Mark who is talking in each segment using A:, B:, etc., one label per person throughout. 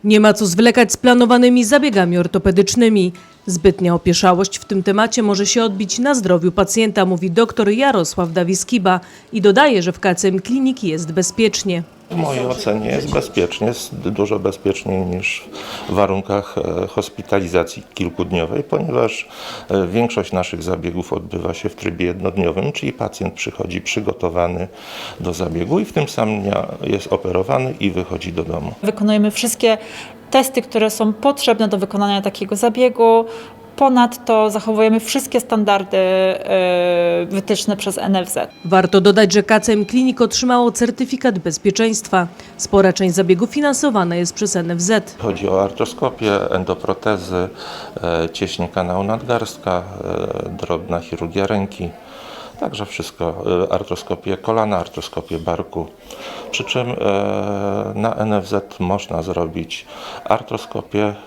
A: Nie ma co zwlekać z planowanymi zabiegami ortopedycznymi. Zbytnia opieszałość w tym temacie może się odbić na zdrowiu pacjenta, mówi dr Jarosław Dawiskiba i dodaje, że w KCM Klinik jest bezpiecznie.
B: W mojej ocenie jest bezpiecznie, jest dużo bezpieczniej niż w warunkach hospitalizacji kilkudniowej, ponieważ większość naszych zabiegów odbywa się w trybie jednodniowym, czyli pacjent przychodzi przygotowany do zabiegu i w tym samym dniu jest operowany i wychodzi do domu.
C: Wykonujemy wszystkie testy, które są potrzebne do wykonania takiego zabiegu. Ponadto zachowujemy wszystkie standardy wytyczne przez NFZ.
A: Warto dodać, że KCM Klinik otrzymało certyfikat bezpieczeństwa. Spora część zabiegu finansowana jest przez NFZ.
B: Chodzi o artroskopię, endoprotezy, cieśń kanału nadgarstka, drobna chirurgia ręki. Także wszystko, artroskopię kolana, artroskopię barku. Przy czym na NFZ można zrobić artroskopię,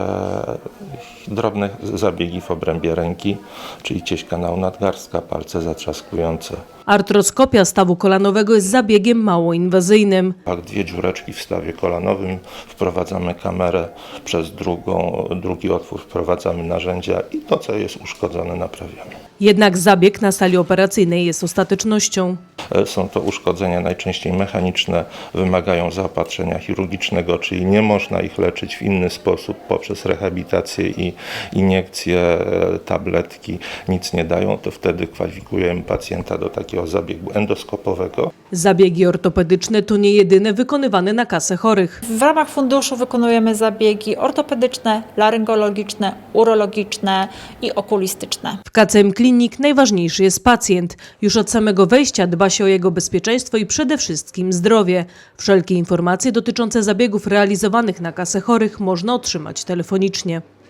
B: drobne zabiegi w obrębie ręki, czyli cieśń kanału nadgarstka, palce zatrzaskujące.
A: Artroskopia stawu kolanowego jest zabiegiem mało inwazyjnym.
B: Jak 2 dziureczki w stawie kolanowym, wprowadzamy kamerę, przez drugi otwór wprowadzamy narzędzia i to, co jest uszkodzone, naprawiamy.
A: Jednak zabieg na sali operacyjnej jest ostatecznością.
B: Są to uszkodzenia najczęściej mechaniczne, wymagają zaopatrzenia chirurgicznego, czyli nie można ich leczyć w inny sposób poprzez rehabilitację i iniekcje, tabletki nic nie dają, to wtedy kwalifikujemy pacjenta do takiego zabiegu endoskopowego.
A: Zabiegi ortopedyczne to nie jedyne wykonywane na kasę chorych.
C: W ramach funduszu wykonujemy zabiegi ortopedyczne, laryngologiczne, urologiczne i okulistyczne.
A: W KCM Klinik najważniejszy jest pacjent. Już od samego wejścia dba się o jego bezpieczeństwo i przede wszystkim zdrowie. Wszelkie informacje dotyczące zabiegów realizowanych na kasę chorych można otrzymać telefonicznie.